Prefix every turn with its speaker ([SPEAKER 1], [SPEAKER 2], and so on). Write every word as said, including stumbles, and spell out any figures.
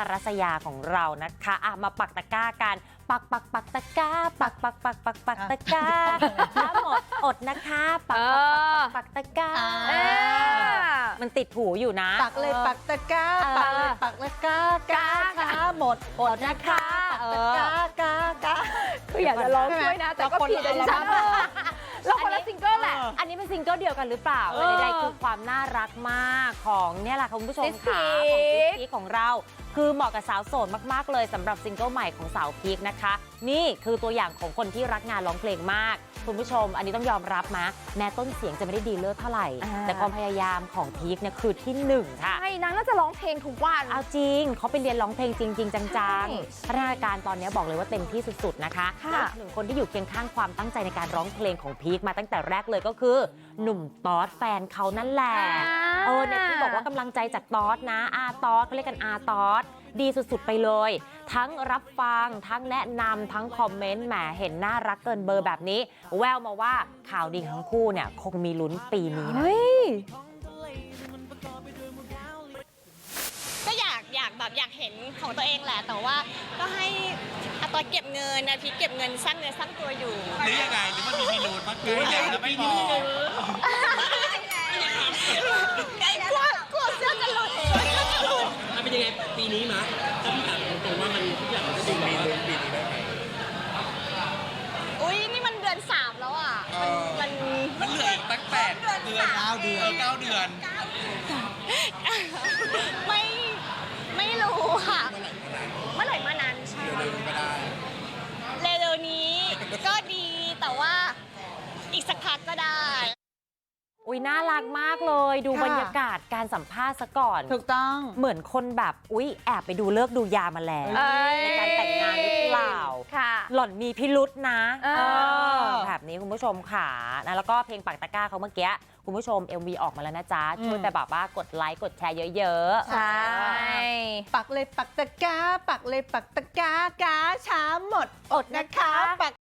[SPEAKER 1] รัสยาของเรานะคะอ่ะมาปักตะกร้ากันปักปักปักตะกร้าปักปักปักปักปักตะกร้าถ้าหมดอดนะคะปักปักปักปักตะกร้ามันติดหูอยู่นะ
[SPEAKER 2] ปักเลยปักตะกร้าปักเลยปักตะกร้ากาช้าหมดอดนะคะปักตะกร้ากากา
[SPEAKER 3] คืออยากจะร้องด้วยนะแต่ก็ผิดดิฉันเราคนละซิงเกิลแหละ
[SPEAKER 1] อันนี้เป็นซิงเกิลเดียวกันหรือเปล่าใดๆคือความน่ารักมากของเนี่ยแหละคุณผู้ชมค่ะของพีคของเราคือเหมาะกับสาวโสดมากๆเลยสำหรับซิงเกิลใหม่ของสาวพีคนะคะนี่คือตัวอย่างของคนที่รักงานร้องเพลงมากคุณผู้ชมอันนี้ต้องยอมรับนะแม้ต้นเสียงจะไม่ได้ดีเลิศเท่าไหร่แต่ความพยายามของพีคเนี่ยคือที่หนึ่งค่ะ
[SPEAKER 3] ใช่นางน่าจะร้องเพลงทุกวัน
[SPEAKER 1] เอาจริงเขาไปเรียนร้องเพลงจริงๆจังๆพัฒนาการตอนนี้บอกเลยว่าเต็มที่สุดๆนะคะและหนึ่งคนที่อยู่เคียงข้างความตั้งใจในการร้องเพลงของพีคมาตั้งแต่แรกเลยก็คือหนุ่มตอสแฟนเขานั่นแหละเออเนี่ยที่บอกว่ากำลังใจจากตอสนะอาตอสเขาเรียกกันอาตอสดีสุดๆไปเลยทั้งรับฟังทั้งแนะนำทั้งคอมเมนต์แหมเห็นน่ารักเกินเบอร์แบบนี้แววมาว่าข่าวดีทั้งคู่เนี่ยคงมีลุ้นปีนี้นะ
[SPEAKER 4] ก็อยากอยากแบบอยากเห็นของตัวเองแหละแต่ว่าก็ให้อาตอนเก็บเงินนะพี่เก็บเงินสร้างเนื้อสร้างตัวอยู่
[SPEAKER 5] หรือยังไงหรือมันมีมีนูนมากเลยแล้วไม่พอก
[SPEAKER 4] ลัวกลัวเสื้อจะหลุด
[SPEAKER 5] มันเป็นยังไงปีนี้มะถ้าพี่ถามตรงๆว่ามันทุกอย่างมันจะดูมีลุ้นปีนี้ได้ไหม
[SPEAKER 4] อุ้ยนี่มันเดือนสามแล้วอ่ะมัน
[SPEAKER 5] มันเหลืออีกตั้งแปดเดือนเก้าเดือนเก้าเดือน
[SPEAKER 4] ไม่ไม่รู้ค่ะเมื่อไหร่มานั้นใช่
[SPEAKER 5] เร็วๆก็ได้
[SPEAKER 4] เร็วๆนี้ก็ดีแต่ว่าอีกสักพักก็ได้
[SPEAKER 1] อุ้ยน่ารักมากเลยดูบรรยากาศการสัมภาษณ์ซะก่อน
[SPEAKER 2] ถูกต้อง
[SPEAKER 1] เหมือนคนแบบอุ้ยแอบไปดูเลิกดูยามาแล้วในการแต่งงานหรือเปล่าหล่อนมีพิรุษนะแบบนี้คุณผู้ชมค่ะนะแล้วก็เพลงปักตะกร้าเขาเมื่อกี้คุณผู้ชม เอ็ม วี ออกมาแล้วนะจ๊ะช่วยแต่แบบว่ากดไลค์กดแชร์เยอะ
[SPEAKER 3] ๆใช่
[SPEAKER 2] ปักเลยปักตะกร้าปักเลยปักตะกร้ากาช้าหมดอดนะคะปัก